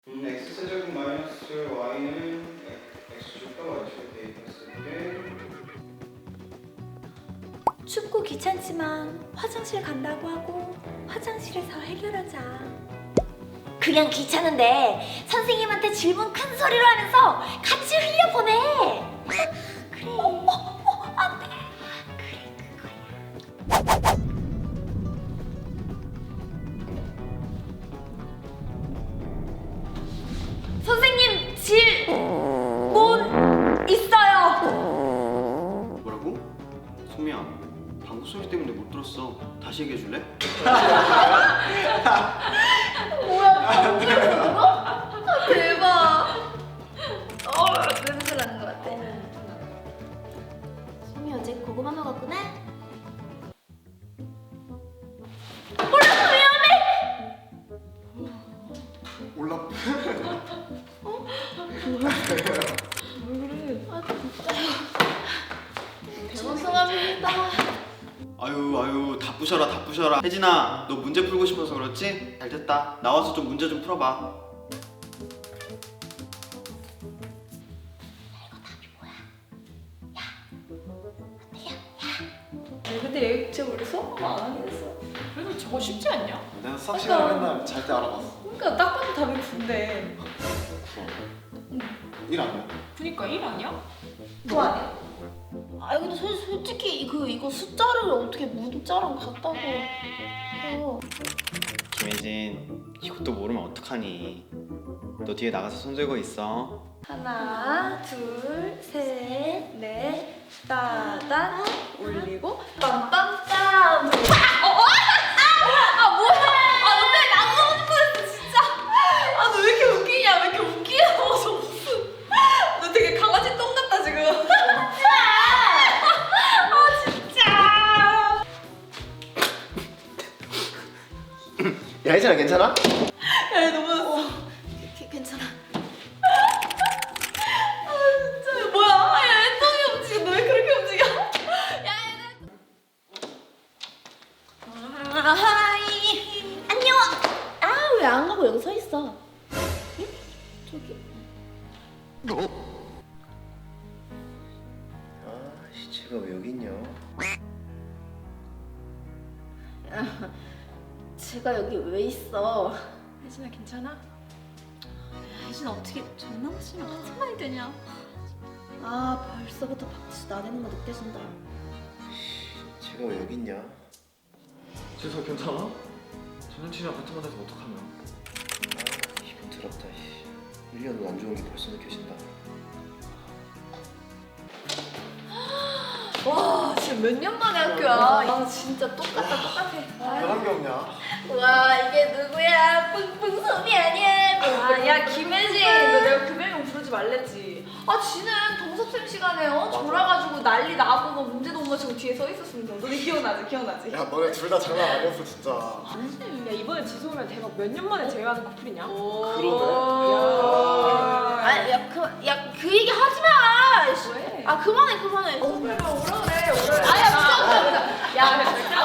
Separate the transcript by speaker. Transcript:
Speaker 1: X제곱 마이너스 Y는 X축과 Y축에 대입했을 때
Speaker 2: 춥고 귀찮지만 화장실 간다고 하고 화장실에서 해결하자. 그냥 귀찮은데 선생님한테 질문 큰 소리로 하면서 같이 흘려보내. 그래. 안 돼. 그래, 그거야. 선생님, 질문 있어요.
Speaker 3: 뭐라고? 소미야, 방구 소리 때문에 못 들었어. 다시 얘기해 줄래?
Speaker 2: 뭐야, 이거? 대박. 냄새 나는 것 같아. 소미 어제 고구마 먹었구나? 올라서 위험해!
Speaker 4: 올라.
Speaker 2: 죄송합니다.
Speaker 3: 아유 다 부셔라 다 부셔라. 혜진아, 너 문제 풀고 싶어서 그렇지? 잘 됐다. 나와서 좀 문제 좀 풀어봐.
Speaker 2: 근데 진짜 우리 수업 안 하긴 했어.
Speaker 5: 그래도 저거 쉽지 않냐?
Speaker 4: 내가 수학 시간에 맨날 잘 때 알아봤어.
Speaker 5: 그러니까 딱 봐도 답이 9인데.
Speaker 4: 1 아니야?
Speaker 5: 그니까 1 아니야?
Speaker 2: 뭐 아니야? 아니 근데 솔직히 이거 숫자를 어떻게 문자랑 같다고 해요.
Speaker 3: 김혜진, 이것도 모르면 어떡하니? 너 뒤에 나가서 손 들고 있어.
Speaker 2: 하나, 둘, 셋, 넷, 따단 올리고 빰빰빰. 아 뭐야? 아 너 때문에 나도 너무 싶어했어 진짜. 아 너 왜 이렇게 웃기냐? 왜 이렇게 웃기냐고. 저 무슨 너 되게 강아지 똥 같다 지금. 아 진짜.
Speaker 4: 야, 혜진아 괜찮아?
Speaker 2: 야 너무 괜찮아. 아 진짜 뭐야? 야 똥이 움직여. 너 왜 그렇게 움직여? 야 하이 안녕. 아 왜 안 가고 여기 서 있어? 응? 저기.
Speaker 4: 아씨, 쟤가 왜 여기 있냐?
Speaker 2: 제가 여기 왜 있어?
Speaker 5: 혜진아 괜찮아? 혜진아 어떻게 전 남친이랑 같은 말이 되냐?
Speaker 2: 아 벌써부터 박수 나대는 거 느껴진다.
Speaker 4: 쟤가 왜 여기 있냐?
Speaker 6: 재서 괜찮아? 전 남친이랑 같은 반에서 어떡하냐?
Speaker 4: 아, 기분 더럽다. 1년 안 좋은 게 벌써 느껴진다.
Speaker 2: 와 지금 몇 년 만에 학교야. 아 진짜 똑같아.
Speaker 4: 그런 게 없냐?
Speaker 2: 와 이게 누구야? 뿡뿡 소미 아니야? 아야 김혜진 너 내가 금요일용 부르지 말랬지. 아 지는 동섭쌤 시간에 졸아가지고 난리 나고 뭐 문제도 못 맞추고 뒤에 서 있었으면서. 너네 기억나지?
Speaker 4: 야, 너네 둘 다 장난 아니었어 진짜.
Speaker 5: 야 이번에 지수 오면 대박 몇 년 만에 재회하는 커플이냐?
Speaker 4: 그러네.
Speaker 2: 그 얘기 하지 마.
Speaker 5: 왜?
Speaker 2: 아 그만해. 오라 그래. 아야 진짜. 야